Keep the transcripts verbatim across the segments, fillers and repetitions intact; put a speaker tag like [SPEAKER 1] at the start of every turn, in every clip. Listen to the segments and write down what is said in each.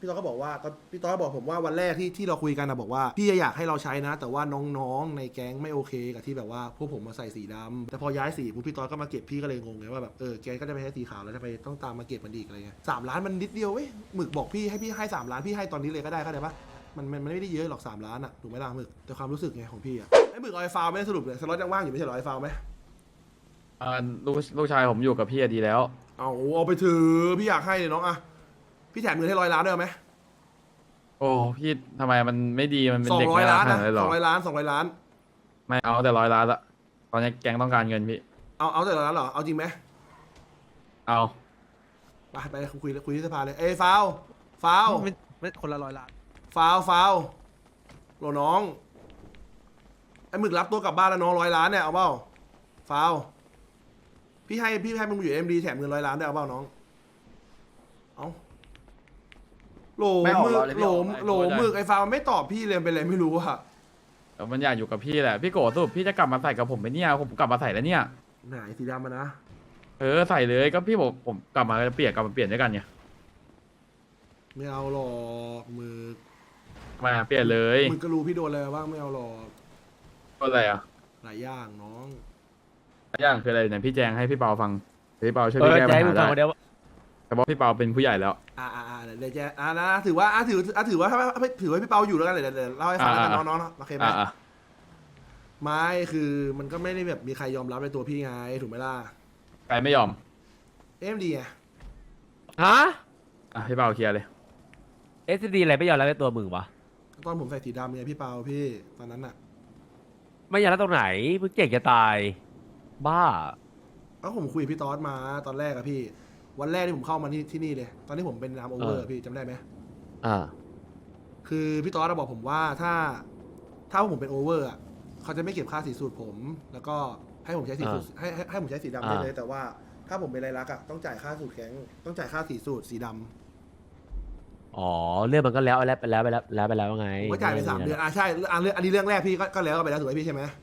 [SPEAKER 1] พี่ต้อก็บอกว่าก็พี่ต้อก็บอกผมว่าวันแรกที่ที่เราคุยกันนะบอกว่าพี่อยากให้เราใช้นะ แต่ว่าน้องๆในแก๊งไม่โอเคกับที่แบบว่าพวกผมมาใส่สีดำแต่พอย้ายสีปุ๊บพี่ต้อก็มาเก็บพี่ก็เลยงงไงว่าแบบเออแกก็จะไปใช้สีขาวแล้วจะไปต้องตามมาเก็บมันอีกอะไรเงี้ยสามล้านมันนิดเดียวเว้ยหมึกบอกพี่ให้พี่ให้สามล้านพี่ให้ตอนนี้เลยก็ได้เข้าใจปะมันมันมันไม่ได้เยอะหรอกสามล้านอะถูกไหมล่ะหมึกแต่ความรู้สึกไงของพี่อะไอ้หมึกเอาไอ้ฟาวไม่ได้สรุปเลยสล็อตยังว่างอยู่ไม่ใช่หรอไอ้ฟาวไหม
[SPEAKER 2] อ่าลูกลูกชายผมอยู่กับพี่อะดีแล้ว
[SPEAKER 1] เอาเอาไปถือพี่อยากให้เลยน้องอะพี่แถมเงินให้ร้อยล้านได้ไหม
[SPEAKER 2] โอ้พี่ทำไมมันไม่ดีมันเป็น
[SPEAKER 1] สอง
[SPEAKER 2] เด็ก
[SPEAKER 1] ร้อย
[SPEAKER 2] ไม่รั
[SPEAKER 1] ล้าก น
[SPEAKER 2] ขนา
[SPEAKER 1] นะ
[SPEAKER 2] ดนั้นเลยเหร
[SPEAKER 1] ส
[SPEAKER 2] อ
[SPEAKER 1] องร้อยล้านสองร้อยล้าน
[SPEAKER 2] ไม่เอาแต่ร้อยล้านละตอนนี้แก๊งต้องการเงินพี่
[SPEAKER 1] เอาเอาแต่ร้อยล้านเหรอเอาจริงไหม
[SPEAKER 2] เอา
[SPEAKER 1] ไปไปคุยคุยที่สภาเลยเอ้ยฟาวฟาว
[SPEAKER 3] ไม่ไม่คนละร้อยล้าน
[SPEAKER 1] ฟาวฟาวโหลน้องไอ้หมึกรับตัวกลับบ้านแล้วน้องร้อยล้านเนี่ยเอาเปล่าฟาวพี่ให้พี่ให้มึงอยู่เอ็มดีแถมเงินร้อยล้านได้เอาเปล่าน้องเอาโหล
[SPEAKER 2] ไม่ออก
[SPEAKER 1] มึก
[SPEAKER 2] เราเลย
[SPEAKER 1] โห
[SPEAKER 2] พี่
[SPEAKER 1] ล
[SPEAKER 2] ออก
[SPEAKER 1] โหลมึกไอ้ฟาวไม่ตอบพี่เลยเป็นไรไม่รู้อะ
[SPEAKER 2] แต่มันอยากอยู่กับพี่แหละพี่โกสรุปพี่จะกลับมาใส่กับผมไหมเนี่ยผมกลับมาใส่แล้วเนี่ย
[SPEAKER 1] ไหนสีดำมานะ
[SPEAKER 2] เออใส่เลยก็พี่บอกผมกลับมาจะเปลี่ยนกลับมาเปลี่ยนด้วยกันไง
[SPEAKER 1] ไม่เอาหรอกมึก
[SPEAKER 2] ทำไมอะเปลี่ยนเลย
[SPEAKER 1] มึงก็รู้พี่โดนอะไรมาบ้างไม่เอาหรอก
[SPEAKER 2] ก็อะไรอ่ะ
[SPEAKER 1] หลายอย่างน้อง
[SPEAKER 2] อย่างคืออะไรไหนพี่แจงให้พี่เปาฟังเดี๋ยวพี่เปาช่วย
[SPEAKER 3] เอ
[SPEAKER 2] พี่
[SPEAKER 3] อ
[SPEAKER 2] แก้
[SPEAKER 3] จะ
[SPEAKER 2] ปัญ
[SPEAKER 3] ให้มึง
[SPEAKER 2] หา
[SPEAKER 3] ฟัง
[SPEAKER 2] ได้
[SPEAKER 3] คนเดียว
[SPEAKER 2] แต่ว่าพี่เปาเป็นผู้ใหญ่แล้ว
[SPEAKER 1] อ่าอ่าอ่าเดี๋ยวแจอ่านะถือว่าอ่าถืออ่าถือว่าถ้าไม่ถือว่าพี่เปาอยู่แล้วกันเดี๋ยวเดี๋ยวเล่าให้ฟังแล้วกัน
[SPEAKER 2] อ่า
[SPEAKER 1] น้องๆโอเคไหม
[SPEAKER 2] อ่ะอ่ะ
[SPEAKER 1] ไม่คือมันก็ไม่ได้แบบมีใครยอมรับในตัวพี่ไงถูกไหมล่ะ
[SPEAKER 2] ใครไม่ยอม
[SPEAKER 1] เอ็มดีไง
[SPEAKER 3] ฮะ
[SPEAKER 2] อ่ะพี่เปาเคลียร์เลย
[SPEAKER 3] เอสดีอะไรไม่ยอมรับในตัวมึงวะ
[SPEAKER 1] ตอนผมใส่สีดำไงพี่เปาพี่ตอนนั้นอ่ะ
[SPEAKER 3] ไม่ยอมรับตรงไหนมึงเก่งจะตาย บ้า
[SPEAKER 1] ก็ผมคุยกับพี่ตอสมาตอนแรกอะพี่ วันแรกที่ผมเข้ามาที่ที่นี่เลย ตอนที่ผมเป็นนามโอเวอร์
[SPEAKER 3] เออ
[SPEAKER 1] พี่จำได้ไหม
[SPEAKER 3] อ่า
[SPEAKER 1] คือพี่ตอสบอกผมว่าถ้าถ้าผมเป็นโอเวอร์อะเขาจะไม่เก็บค่าสีสูตรผม แล้วก็ให้ผมใช้สีสูตรให้ให้ให้ผมใช้สีดำได้เลย แต่ว่าถ้าผมเป็นไรลักษณ์อะต้องจ่ายค่าสูตรแข็งต้องจ่ายค่าสีสูตรสีดำ
[SPEAKER 3] อ๋อเรื่องมันก็แล้วไปแล้วไปแล้วไปแล้วแล้วไปแล้วไง
[SPEAKER 1] ผมก็จ่ายไปสามเดือนอ่ะใช่อ่ะเรื่องอันนี้เรื่องแรกพี่ก็ก็แล้วไปแล้วถูกไหมพี่ใช่ไหม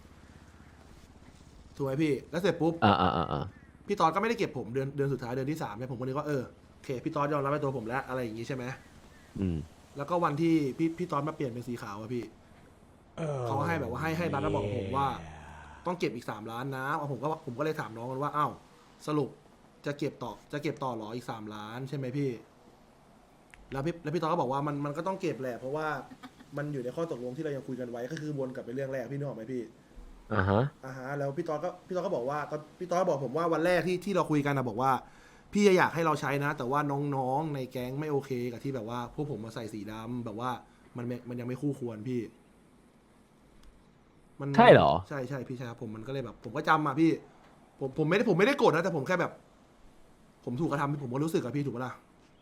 [SPEAKER 1] ถูกไหมพี่แล้วเสร็จปุ๊บ
[SPEAKER 3] อ่าอ่าอ่าอ่า
[SPEAKER 1] พี่ตอนก็ไม่ได้เก็บผมเดือนเดือนสุดท้ายเดือนที่สามเนี่ยผมก็นึกว่าเออโอเคพี่ตอนยอมรับในตัวผมแล้วอะไรอย่างงี้ใช่ไหม
[SPEAKER 3] อืม
[SPEAKER 1] แล้วก็วันที่พี่พี่ตอนมาเปลี่ยนเป็นสีขาวอะพี่เขาให้แบบว่าให้ให้บัตรมาบอกผมว่า ต้องเก็บอีกสามล้านนะผมก็ผมก็เลยถามน้องกันว่าอ้าวสรุปจะเก็บต่อจะเก็บต่อหรออีกสามล้านใช่ไหมพี่ แล้วพี่แล้วพี่ตอนก็บอกว่ามันมันก็ต้องเก็บแหละเพราะว่ามันอยู่ในข้อตกลงที่เรายังคุยกันไว้ก็คือวนกลับไปเรื่องแรกพี่นึกออกไหมพี่
[SPEAKER 3] อ่าฮะ
[SPEAKER 1] อ่าฮะแล้วพี่ตอนก็พี่ตอนก็บอกว่าก็พี่ตอนก็บอกผมว่าวันแรกที่ที่เราคุยกันนะบอกว่า พี่อยากให้เราใช้นะ แต่ว่าน้องๆในแก๊งไม่โอเคกับที่แบบว่าพวกผมมาใส่สีดำแบบว่ามันไม่มันยังไม่คู่ควรพี่ มัน
[SPEAKER 3] ใช่เหรอ
[SPEAKER 1] ใช่ใช่พี่ใช่ครับผมมันก็เลยแบบ ผมก็จำมาพี่ ผมผมไม่ได้ผมไม่ได้โกรธนะแต่ผมแค่แบบ ผมถูกกระทำผมก็รู้สึกอะพี่ถูกปะล่ะ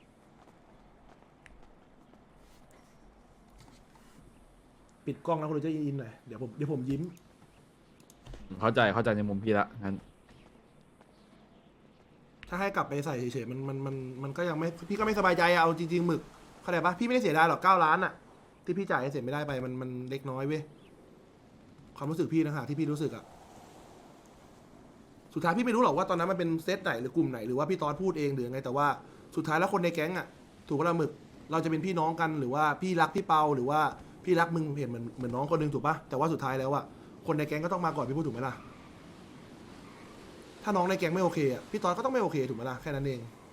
[SPEAKER 1] ปิดกล้องแล้วคุณจะยินหน่อยเดี๋ยวผมเดี๋ยวผมยิ้ม
[SPEAKER 2] เข้าใจเข้าใจในมุมพี่ละงั้น
[SPEAKER 1] ถ้าให้กลับไปใส่เฉยๆมันมันมันมันก็ยังไม่พี่ก็ไม่สบายใจอะเอาจริงๆหมึกเข้าใจปะพี่ไม่ได้เสียดายหรอกเก้าล้านอะที่พี่จ่ายให้เสร็จไม่ได้ไปมันมันเล็กน้อยเว้ยความรู้สึกพี่นะฮะที่พี่รู้สึกอะสุดท้ายพี่ไม่รู้หรอกว่าตอนนั้นมันเป็นเซตไหนหรือกลุ่มไหนหรือว่าพี่ตอนพูดเองหรือไงแต่ว่าสุดท้ายแล้วคนในแก๊งอะถูกปะล่ะหมึกเราจะเป็นพี่น้องกันหรือว่าพี่รักพี่เปาหรือว่าพี่รักมึงเห็นเหมือนเหมือนน้องคนหนึงถูกปะแต่ว่าสุดท้ายแล้วอะคนในแก๊งก็ต้องมาก่อนพี่พูดถูกไหมล่ะถ้าน้องในแก๊งไม่โอเคอะพี่ตอนก็ต้องไม่โอเคถูกไหมล่ะแค่นั้นเอง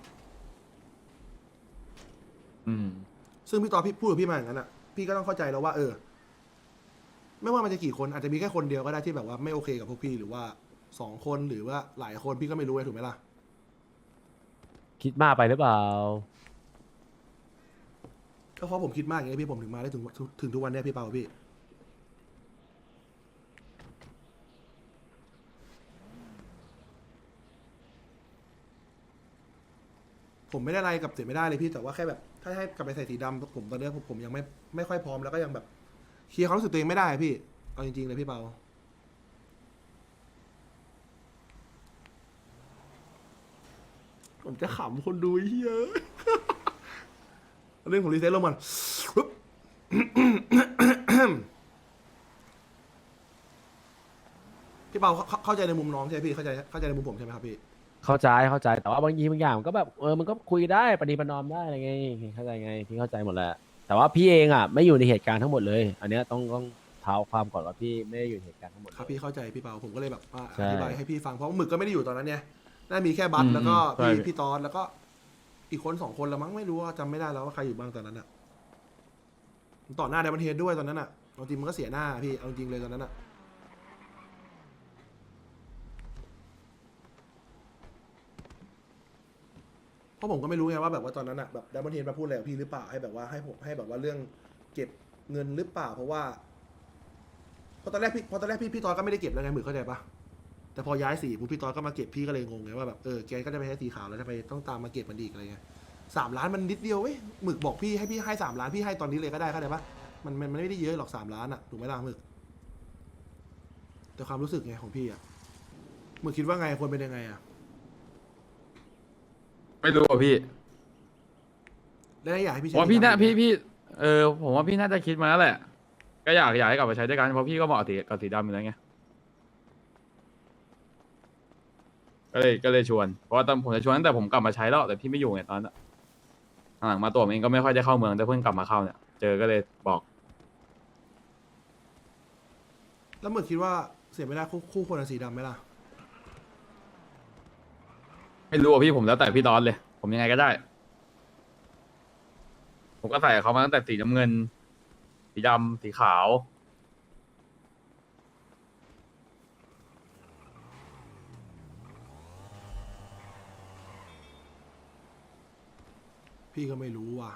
[SPEAKER 2] อืม
[SPEAKER 1] ซึ่งพี่ตอนพี่พูดกับพี่มาอย่างนั้นอ่ะ พี่ก็ต้องเข้าใจแล้วว่า เออ ไม่ว่ามันจะกี่คนอาจจะมีแค่คนเดียวก็ได้ที่แบบว่าไม่โอเคกับพวกพี่หรือว่าสองคนหรือว่าหลายคนพี่ก็ไม่รู้ไงถูกไหมล่ะ
[SPEAKER 3] คิดมากไปหรือเปล่า
[SPEAKER 1] ก็เพราะผมคิดมากอย่างนี้พี่ผมถึงมาได้ถึงถึงทุกวันเนี้ยพี่เปาพี่ ผมไม่ได้อะไรกับเสียไม่ได้เลยพี่แต่ว่าแค่แบบ ถ้าให้กลับไปใส่สีดำผมตอนเนี้ยผมผมยังไม่ไม่ค่อยพร้อมแล้วก็ยังแบบเคลียร์ความรู้สึกตัวเองไม่ได้พี่เอาจริงๆเลยพี่เปาผมจะขำคนดูเฮีย เรื่องของรีเซ็ตลงมันปึ๊บ พี่เปาเข้าเข้าใจในมุมน้องใช่ไหมพี่เข้าใจเข้าใจในมุมผมใช่ไหมครับพี่
[SPEAKER 3] เข้าใจเข้าใจแต่ว่าบางทีบางอย่างมันก็แบบเออมันก็คุยได้ประนีประนอมได้อะไรไงเข้าใจไงพี่เข้าใจหมดแหละแต่ว่าพี่เองอ่ะไม่อยู่ในเหตุการณ์ทั้งหมดเลยอันเนี้ยต้องต้องเท้าความก่อนว่าพี่ไม่ได้อยู่ในเหตุการณ์ทั้งหมด
[SPEAKER 1] ครับพี่เข้าใจพี่เปาผมก็เลยแบบว่า
[SPEAKER 3] ใช่
[SPEAKER 1] อธิบายให้พี่ฟังเพราะหมึกก็ไม่ได้อยู่ตอนนั้นเนี่ยน่ามีแค่บัต
[SPEAKER 2] อืม
[SPEAKER 1] แล้วก็
[SPEAKER 2] ใช่
[SPEAKER 1] พี่พี่ตอนแล้วก็อีกคนสองคนละมั้งไม่รู้ว่าจำไม่ได้แล้วว่าใครอยู่บ้างตอนนั้นอะต่อหน้าไดมอนเฮดด้วยตอนนั้นอะเอาจริงมันก็เสียหน้าพี่เอาจริงเลยตอนนั้นอะเพราะผมก็ไม่รู้ไงว่าแบบว่าตอนนั้นอะแบบไดมอนเฮดมาพูดอะไรกับพี่หรือเปล่าให้แบบว่าให้ผมให้แบบว่าเรื่องเก็บเงินหรือเปล่าเพราะว่าเพราะตอนแรกพี่เพราะตอนแรกพี่พี่ตอนก็ไม่ได้เก็บแล้วไงหมึกเข้าใจปะ แต่พอย้ายสีปุ๊บพี่ตอนก็มาเก็บพี่ก็เลยงงไงว่าแบบเออแกก็จะไปใช้สีขาวแล้วทำไมต้องตามมาเก็บมันอีกอะไรเงี้ยสามล้านมันนิดเดียวเว้ยหมึกบอกพี่ให้พี่ให้สามล้านพี่ให้ตอนนี้เลยก็ได้เข้าใจปะมันมันมันไม่ได้เยอะหรอกสามล้านอะถูกไหมล่ะหมึกแต่ความรู้สึกไงของพี่อะหมึกคิดว่าไงควรเป็นยังไงอะ
[SPEAKER 2] ไม่รู้อ่ะพี่
[SPEAKER 1] แล้วอยากให้พี่
[SPEAKER 2] ผ
[SPEAKER 1] ใช้
[SPEAKER 2] มว่าพี่น่า
[SPEAKER 1] สีดำ
[SPEAKER 2] พี่พี่เออผมว่าพี่น่าจะคิดมาแล้วแหละ ก็อยากอยากให้กลับมาใช้ด้วยกันเพราะพี่ก็เหมาะสีกับสีดำอยู่แล้วไงก็เลยก็เลยชวนเพราะว่าตอนผมจะชวนตั้งแต่ผมกลับมาใช้แล้วแต่พี่ไม่อยู่ไงตอนนั้นหลังๆมาตัวผมเองก็ไม่ค่อยได้เข้าเมืองแต่เพิ่งกลับมาเข้าเนี่ยเจอก็เลยบอก
[SPEAKER 1] แล้วหมึกคิดว่าเสียไม่ได้คู่คู่ควรกับสีดำไหมล่ะ
[SPEAKER 2] ไม่รู้อ่ะพี่ผมแล้วแต่พี่ดอนเลย ผมยังไงก็ได้ ผมก็ใส่เขามาตั้งแต่สีน้ำเงิน สีดำสีขาว
[SPEAKER 1] พี่ก็ไม่รู้ว่ะ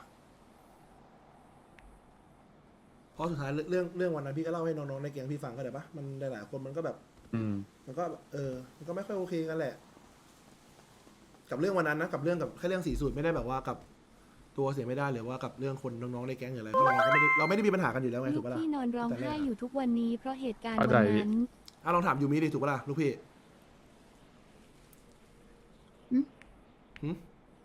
[SPEAKER 1] เพราะสุดท้ายเรื่องเรื่องวันนั้นพี่ก็เล่าให้น้องๆในแก๊งพี่ฟังก็ได้ปะมันหลายๆคนมันก็แบบ
[SPEAKER 2] อืม
[SPEAKER 1] มันก็เออ มันก็ไม่ค่อยโอเคกันแหละ กับเรื่องวันนั้นนะกับเรื่องกับแค่เรื่องสีสูตรไม่ได้แบบว่ากับตัวเสียไม่ได้หรือว่ากับเรื่องคนน้องๆในแก๊งหรืออะไรเพราะเราก็ไม่ได้เราไม่ได้มีปัญหากันอยู่แล้วไง
[SPEAKER 4] ลู
[SPEAKER 1] ถูก
[SPEAKER 4] ก
[SPEAKER 1] ปะล่ะ
[SPEAKER 4] พี่นอนร้อง
[SPEAKER 1] แต่แร
[SPEAKER 4] ไห้
[SPEAKER 1] กอะ
[SPEAKER 4] อยู่ทุกวันนี้เพราะเหตุการณ์
[SPEAKER 2] เข้า
[SPEAKER 4] วั
[SPEAKER 2] ใจ
[SPEAKER 4] น
[SPEAKER 2] พี่
[SPEAKER 4] นั้น
[SPEAKER 1] อ่ะลองถามยูมิดิถูกปะล่ะลูกพี่
[SPEAKER 4] หึ
[SPEAKER 1] หึ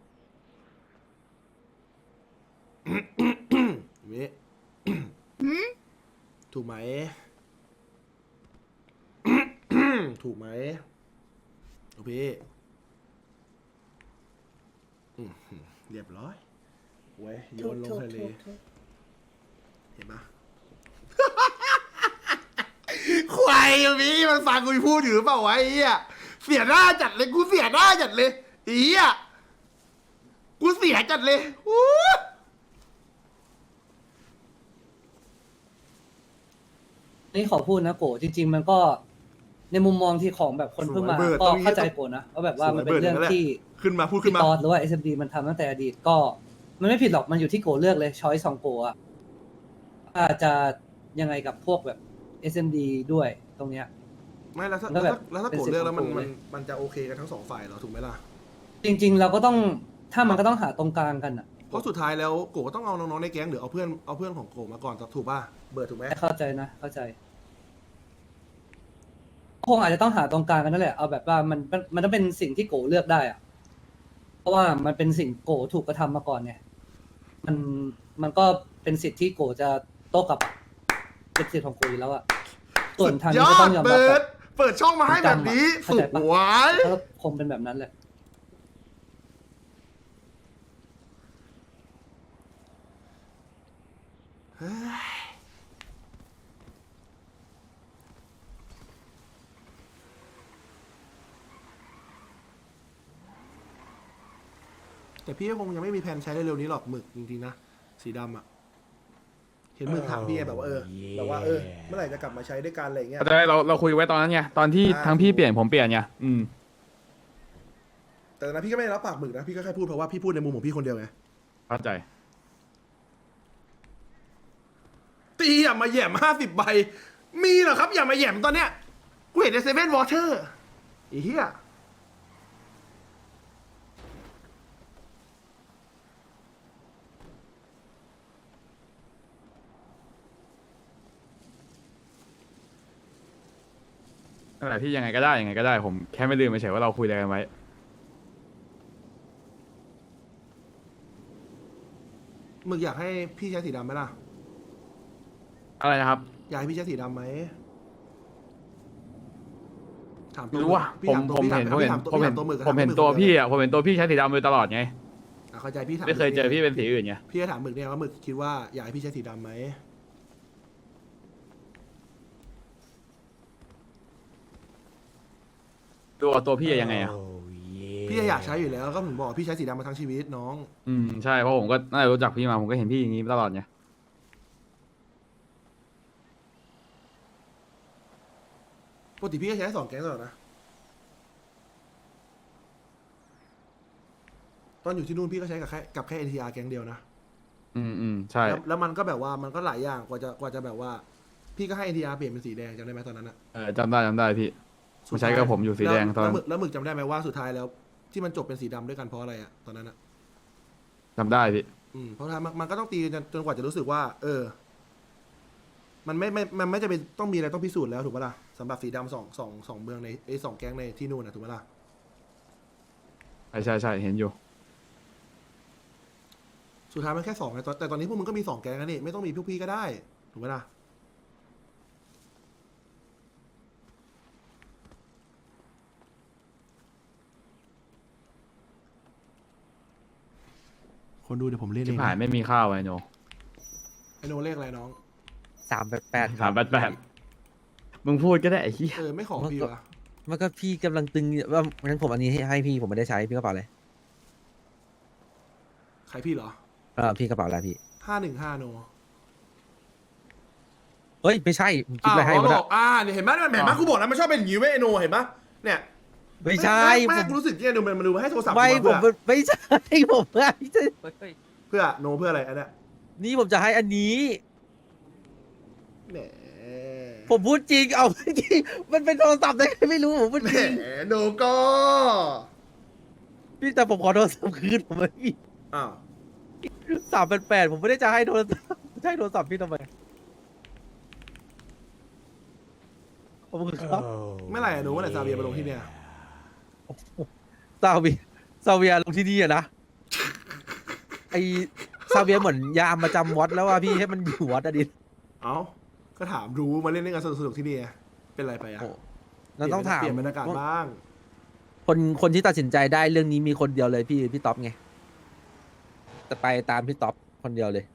[SPEAKER 1] ยูมิถูกไหม ถูกไหมลูกพี่อื้อหือเรียบร้อยเว้ยโยนลงทะเล เห็นปะ ควายอย่างนี้มันฟังกูพูดอยู่หรือเปล่าวะไอ้เหี้ยเสียหน้าจัดเลยกูเสียหน้าจัดเลยไอ้เหี้ยกูเสียจัดเลยอู้
[SPEAKER 5] นี่ขอพูดนะโกจริง ๆ มันก็ในมุมมองที่ของแบบคนเพิ่งมาก็เข้าใจโกนะว่าแบบว่ามันเป็นเรื่องที่
[SPEAKER 1] ขึ้นมาพูดขึ้
[SPEAKER 5] พี่
[SPEAKER 1] นมา
[SPEAKER 5] ตอดหรือว่า เอส เอ็ม ดี มันทำตั้งแต่อดีตก็ มันไม่ผิดหรอกมันอยู่ที่โกเลือกเลยช้อยสองโกอะว่าจะยังไงกับพวกแบบ เอส เอ็ม ดี ด้วยตรงเนี้ย
[SPEAKER 1] ไม่แล้วถ้า
[SPEAKER 5] แล้วแบบ
[SPEAKER 1] แล้วถ้า
[SPEAKER 5] เป็น
[SPEAKER 1] โกรธเรื่องแล้วมัน
[SPEAKER 5] สิทธิ์ของ
[SPEAKER 1] มัน
[SPEAKER 5] กูเลย
[SPEAKER 1] มันจะโอเคกันทั้งสองฝ่ายเหรอถูกไหมล่ะ
[SPEAKER 5] จริง ๆ เราก็ต้องถ้ามันก็ต้องหาตรงกลางกันอะ
[SPEAKER 1] เพราะสุดท้ายแล้วโกก็ต้องเอาน้องๆในแก๊งหรือเอาเพื่อนเอาเพื่อนของโกมาก่อนถูกป่ะเบิร์ดถูกไหม
[SPEAKER 5] เข้าใจนะเข้าใจคงอาจจะต้องหาตรงกลางกันนั่นแหละเอาแบบว่ามันมันมันต้องเป็นสิ่งที่โกเลือกได้อะเพราะว่ามันเป็นสิ่งโกถูกกระทำมาก่อนเนี่ยมันมันก็เป็นสิทธิ์ที่โกจะโต้กลับอะเป็นสิทธิ์ของโกอยู่แล้วอะส่วนทางนี้ก็ต้องยอมรับ
[SPEAKER 1] เปิ
[SPEAKER 5] แบ
[SPEAKER 1] ด
[SPEAKER 5] บ
[SPEAKER 1] เปิดช่องมาให้แบบนี้
[SPEAKER 5] เข้า
[SPEAKER 1] สุ
[SPEAKER 5] ใจ
[SPEAKER 1] ด
[SPEAKER 5] ปะ
[SPEAKER 1] หวาย
[SPEAKER 5] ก็คงเป็นแบบนั้นแหละ
[SPEAKER 1] แต่พี่ก็คงยังไม่มีแผนใช้เร็วๆนี้หรอกหมึกจริงๆนะสีดำอ่ะเห็นหมึกถามพี่ไงแบบว่าเออแบบว่าเออเมื่อไหร่จะกลับมาใช้ด้วยกันอะไรเงี้ย
[SPEAKER 2] แต่เราเราคุยไว้ตอนนั้นไงตอนที่
[SPEAKER 1] อ่า
[SPEAKER 2] ทั้งพี่เปลี่ยนผมเปลี่ยนไงอืม
[SPEAKER 1] แต่นะพี่ก็ไม่ได้รับปากหมึกนะพี่ก็แค่พูดเพราะว่าพี่พูดในมุมของพี่คนเดียวไง
[SPEAKER 2] เข้าใจ
[SPEAKER 1] ตีอย่ามาแหย่มห้าสิบใบ มีเหรอครับอย่ามาแหย่มตอนเนี้ยกูเห็นในเซเว่นวอเตอร์ไอ้เหี้ย
[SPEAKER 2] นั่นแหละพี่ยังไงก็ได้ยังไงก็ได้ ผมแค่ไม่ลืมไปเฉยว่าเราคุยอะไรกันไว้
[SPEAKER 1] หมึกอยากให้พี่ใช้สีดำไหมล่ะ
[SPEAKER 2] อะไรนะครับ
[SPEAKER 1] อยากให้พี่ใช้สีดำไหมถาม
[SPEAKER 2] ไม่รู้ว่ะ
[SPEAKER 1] พี่
[SPEAKER 2] ผม
[SPEAKER 1] ถามตัว
[SPEAKER 2] ผม
[SPEAKER 1] พี่ถา
[SPEAKER 2] เห็นผมเห็น
[SPEAKER 1] ถามตัว
[SPEAKER 2] ผมเห็น
[SPEAKER 1] พี่ถามตัวหมึก
[SPEAKER 2] ผมเห็น
[SPEAKER 1] ถา
[SPEAKER 2] ตัว
[SPEAKER 1] หมึก
[SPEAKER 2] พี่อ่ะผมเห็นตัวพี่ใช้สีดำโดยตลอดไง
[SPEAKER 1] อ่ะเข้าใจพี่ถาม
[SPEAKER 2] ไม่เคยเจอพี่เป็นสีอื่นไง
[SPEAKER 1] พี่จะถามหมึกเนี่ยว่าหมึกคิดว่าอยากให้พี่ใช้สีดำไหม
[SPEAKER 2] ตัวตัวพี่อะยังไงอ่ะ
[SPEAKER 1] พี่อยากใช้อยู่แล้วก็ผมบอกว่าพี่ใช้สีดำมาทั้งชีวิตน้อง
[SPEAKER 2] อืมใช่เพราะผมก็น่าจะรู้จักพี่มาผมก็เห็นพี่อย่างนี้ตลอดไง
[SPEAKER 1] ปกติพี่ก็ใช้สองแก๊งตลอดนะตอนอยู่ที่นู่นพี่ก็ใช้กับแค่กับแค่เอ็นทีอาร์แก๊งเดียวนะ
[SPEAKER 2] อืมอืมใช่
[SPEAKER 1] แล้วแล้วมันก็แบบว่ามันก็หลายอย่างกว่าจะกว่าจะแบบว่า พี่ก็ให้เอ็นทีอาร์เปลี่ยนเป็นสีแดงจำได้ไหมตอนนั้นอะ
[SPEAKER 2] เออจำได้จำได้พี่ผมใช้กับผมอยู่สีแดงตอน
[SPEAKER 1] แล้ว
[SPEAKER 2] นั้น
[SPEAKER 1] หมึกแล้วหมึกจำได้ไหมว่าสุดท้ายแล้ว ที่มันจบเป็นสีดำด้วยกันเพราะอะไรอะตอนนั้นอะ
[SPEAKER 2] จำได้พี่
[SPEAKER 1] อืมเพราะท้ายมันมันก็ต้องตีจนจนกว่าจะรู้สึกว่า เออ มันไม่ไม่มันไม่จะเป็นต้องมีอะไรต้องพิสูจน์แล้วถูกปะล่ะสำหรับสีดำสองสองสองเมืองในไอ้สองแก๊งในที่นู่นนะถูกปะล่ะ
[SPEAKER 2] ใช่ใช่ใช่เห็นอยู่
[SPEAKER 1] สุดท้ายมันแค่สองไงแต่แต่ตอนนี้พวกมึงก็มีสองแก๊งแล้วนี่ไม่ต้องมีพวกพี่ก็ได้ถูกปะล่ะคนดูเดี๋ยวผมเล่นเอ
[SPEAKER 2] ที่
[SPEAKER 1] ง
[SPEAKER 2] ผ่านไม่มีข้าวไอ้โน
[SPEAKER 1] ไอโนเลขอะไรน้อง
[SPEAKER 6] สามแปดแปด
[SPEAKER 2] สามแปดแปดมึงพูดก็ได้ไอ้เหี้ย
[SPEAKER 1] เออไม่ขอพี่วะ
[SPEAKER 6] มันก็พี่กำลังตึงว่างั้นผมอันนี้ให้ให้พี่ผมไม่ได้ใช้พี่กระเป๋าอะไร
[SPEAKER 1] ใครพี่เหรอ
[SPEAKER 6] เออพี่กระเป๋าอะไรพี่
[SPEAKER 1] ห้าหนึ่งห้าโน
[SPEAKER 6] เฮ้ยไม่ใช่ผมคิดอะไรให้
[SPEAKER 1] อ๋อ
[SPEAKER 6] มัน
[SPEAKER 1] บ
[SPEAKER 6] อะ
[SPEAKER 1] อกอ่าเนี่ยเห็นไหมเห็นไหมกูบอกแล้วมันชอบเป็นอย่างนี้เว้ยไอโนเห็นปะเนี่ย
[SPEAKER 6] ไม่ใช่
[SPEAKER 1] ไม่
[SPEAKER 6] ผ
[SPEAKER 1] ไม่
[SPEAKER 6] ม
[SPEAKER 1] กูรู้สึกเนี่ยดูมันมันดูให้โทรศัพท์
[SPEAKER 6] ไม่
[SPEAKER 1] กู
[SPEAKER 6] ผม
[SPEAKER 1] เพื่อ
[SPEAKER 6] ไม่ใช่ผมไม่ใช่
[SPEAKER 1] เพื่อโนเพื่ออะไรอันเนี้ย
[SPEAKER 6] นี่ผมจะให้อันนี้
[SPEAKER 1] แหม
[SPEAKER 6] ผมพูดจริงเอาจริงมันเป็นโทรศัพท์ได้ไงไม่รู้ผมพูด
[SPEAKER 1] แหม
[SPEAKER 6] จริง
[SPEAKER 1] โนก็
[SPEAKER 6] พี่แต่ผมขอโทรศัพท์คืนผมไม่พี่
[SPEAKER 1] อ้าว
[SPEAKER 6] สามแปดแปดผมไม่ได้จะให้โทรศัพท์จะให้โทรศัพท์พี่ทำไมผมครับ
[SPEAKER 1] เมื่อไหร่อะโนเมื่อไหร่ซาเบียมาลงที่เนี่ย
[SPEAKER 6] ซาเวียซาเวียลงที่นี่อะนะไอซาเวียเหมือนยามประจำวัดแล้วว่าพี่ให้มันอยู่วัดอะดิ
[SPEAKER 1] เอ้าก็ถามรู้มาเล่นเล่นกันสนุกๆที่นี่ไงเป็นไรไปอะ
[SPEAKER 6] โอ้เราต้องถาม
[SPEAKER 1] เปลี่ยนบรรยากาศบ้าง
[SPEAKER 6] คนคนที่ตัดสินใจได้เรื่องนี้มีคนเดียวเลยพี่พี่ท็อปไงจะไปตามพี่ท็อปคนเดียวเลย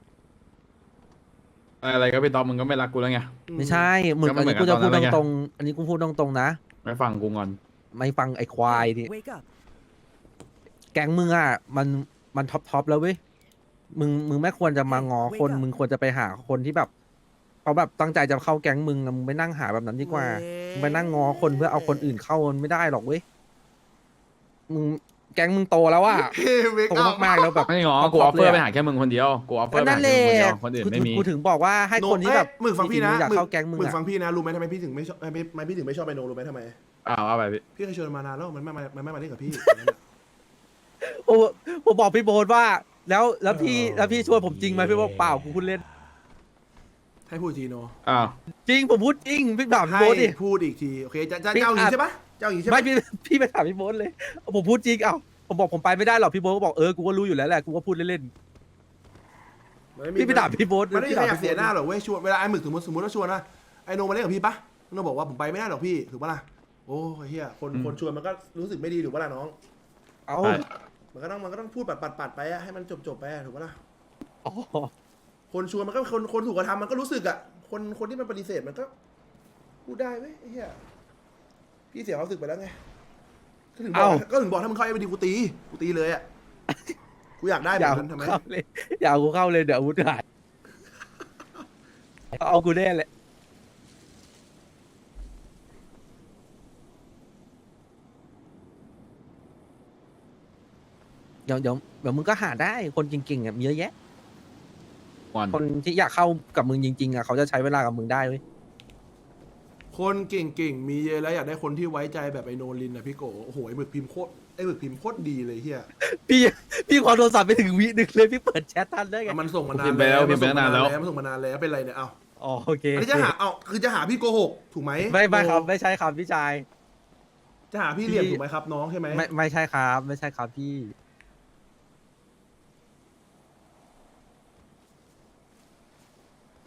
[SPEAKER 2] อะไรก็พี่ต๊อบมึงก็ไม่รักกูแล้วไง
[SPEAKER 6] ไม่ใช่มึง
[SPEAKER 2] ก็ไม่
[SPEAKER 6] อัน
[SPEAKER 2] เหมื
[SPEAKER 6] นี้
[SPEAKER 2] อน
[SPEAKER 6] กูจะ
[SPEAKER 2] กัน
[SPEAKER 6] พูด
[SPEAKER 2] ตอนนั้นไง
[SPEAKER 6] ตรงๆอันนี้กูพูดตรงๆนะ
[SPEAKER 2] ไม่ฟังกูงอน
[SPEAKER 6] ไม่ฟังไอ้ควายนี่
[SPEAKER 7] Wake up.
[SPEAKER 6] แก๊งมึงอ่ะมันมันท็อปท็อปแล้วเว้ยมึงมึงไม่ควรจะมางอคน
[SPEAKER 7] Wake up
[SPEAKER 6] มึงควรจะไปหาคนที่แบบเขาแบบตั้งใจจะเข้าแก๊งมึงอะมึงไปนั่งหาแบบนั้นดีกว่ามึงไปนั่งงอคนเพื่อเอาคนอื่นเข้ามันไม่ได้หรอกเว้ยมึงแก๊งมึงโตแล้วอ่ะ
[SPEAKER 1] เฮ้ยเวก
[SPEAKER 6] โต
[SPEAKER 1] อัพ
[SPEAKER 6] มากๆแล้วแบบ
[SPEAKER 2] ไม่งอ
[SPEAKER 6] เอา
[SPEAKER 2] กูออฟเฟอ
[SPEAKER 6] เลย
[SPEAKER 2] ร์
[SPEAKER 6] อะ
[SPEAKER 2] ไปหาแค่มึงคนเดียวกูออฟเฟอ
[SPEAKER 6] ก็
[SPEAKER 2] ร์ไป
[SPEAKER 6] นั่
[SPEAKER 2] หาน
[SPEAKER 6] แห
[SPEAKER 2] แค่
[SPEAKER 6] ละ
[SPEAKER 2] มึงคนเดียวคนอื่นไม่มี
[SPEAKER 6] กูถึงบอกว่าให้คนที่แบบ
[SPEAKER 1] หมึกฟังพี่นะ
[SPEAKER 6] จริๆอยากเข้าแก๊งมึง
[SPEAKER 1] หมึก
[SPEAKER 6] อะ
[SPEAKER 1] ฟังพี่นะรู้ไหมทำไมพี่ถึงไม่ชอบไม่ไม่พี่ถึงไม่ชอบไอโนรู้ไหมทำไม
[SPEAKER 2] อ้าวเอาไปพี่
[SPEAKER 1] พี่เคยชวนมานานแล้วมันไม่มามันไม่มาเล่นกับพี่
[SPEAKER 6] โอ้ผมบอกพี่โบนว่า แล้วแล้วพี่
[SPEAKER 1] เออ
[SPEAKER 6] แล้วพี่ชวนผมจริงไหมพี่บอกเปล่ากูพูดเล่น
[SPEAKER 1] ให้พูดอีกทีโน
[SPEAKER 2] อ้าว
[SPEAKER 6] จริงผมพูดจริงพี่ถามพี่
[SPEAKER 1] ให้
[SPEAKER 6] โบนดิ
[SPEAKER 1] พูดอีกทีโอเคจะจะ
[SPEAKER 6] พี่
[SPEAKER 1] จะเอาอย่าง
[SPEAKER 6] อ่ะ
[SPEAKER 1] นี้ใช่ปะจะเอาอย่างนี้ใช่ปะ
[SPEAKER 6] ไม่พี่พี่ไปถามพี่โบนเลย ผมพูดจริงเอ้าผมบอกผมไปไม่ได้หรอกพี่โบนก็บอกเออกูก็รู้อยู่แล้วแหละกูก็พูดเล่น
[SPEAKER 1] มันม่
[SPEAKER 6] ๆพี่ไปถามพี่โบน
[SPEAKER 1] มันไม่มีใครอยาก
[SPEAKER 6] พี่
[SPEAKER 1] เสียหน้า
[SPEAKER 6] โบ๊ท
[SPEAKER 1] หรอกเว้ยชวนเวลาไอ้หมึกสมมติสมมติว่าชวนนะไอโนมาเล่นกับพี่ปะโนบอกว่าผมไปไม่ได้หรอกพี่ถูกปะล่ะโอ้เฮียคนคนชวนมันก็รู้สึกไม่ดีถูกปะล่ะน้อง
[SPEAKER 6] เอ้า
[SPEAKER 2] ใช่
[SPEAKER 1] มันก็ต้องมันก็ต้องพูดปัดปัดปัดไปอะให้มันจบจบไปอะถูกปะล่ะ
[SPEAKER 6] อ๋อ
[SPEAKER 1] คนชวนมันก็คนคนถูกกระทำมันก็รู้สึกอะคนคนที่มันปฏิเสธมันก็พูดได้เว้ยไอ้เฮียพี่เสียความรู้สึกไปแล้วไงก็ถึงบอกก็ถึงบอกถ้ามึงเข้าไอ้ไปดีกูตีกูตีเลยอะกูอยากได้แบ
[SPEAKER 6] อย่า
[SPEAKER 1] บ
[SPEAKER 6] เอา
[SPEAKER 1] นั้นทำไม
[SPEAKER 6] เข้าเลยอย่าเอากูเข้าเลยเดี๋ยวอาวุธหายเอากูแน่แหละเดี๋ยวเดี๋ยวเดี๋ยวมึงก็หาได้คนเก่งๆอ่ะมีเยอะแยะ
[SPEAKER 2] งอน
[SPEAKER 6] คนที่อยากเข้ากับมึงจริงๆอ่ะเขาจะใช้เวลากับมึงได้เว้ย
[SPEAKER 1] คนเก่งๆมีเยอะแล้วอยากได้คนที่ไว้ใจแบบไอโนลินอะพี่โกโอ้โหไอ้หมึกพิมพ์โคตรไอ้หมึกพิมพ์โคตรดีเลยเฮีย
[SPEAKER 6] พี่พี่ขอโทรศัพท์ไปถึงวิหนึ่งเลยพี่เปิดแชททันได้ไง
[SPEAKER 1] มันส่งมานาน
[SPEAKER 2] พิมพ์ไปแล้วพิมพ์ไปตั้งนานแล้ว
[SPEAKER 1] มันส่งมานานแล้วเป็นไรเนี่ยเอ้า
[SPEAKER 6] อ๋อโอเค
[SPEAKER 1] อันนี้จะหาเอ้าคือจะหาพี่โกหกถูกไหม
[SPEAKER 6] ไม่ไม่ครับ
[SPEAKER 1] โน
[SPEAKER 6] ไม่ใช่ครับพี่ชาย
[SPEAKER 1] จะหาพี่เหลี่ยม
[SPEAKER 6] พี่
[SPEAKER 1] ถูกไหมครับน้องใช่ไหม
[SPEAKER 6] ไม่ไม่ใช่ครับ ไม่ใช่ครับพี่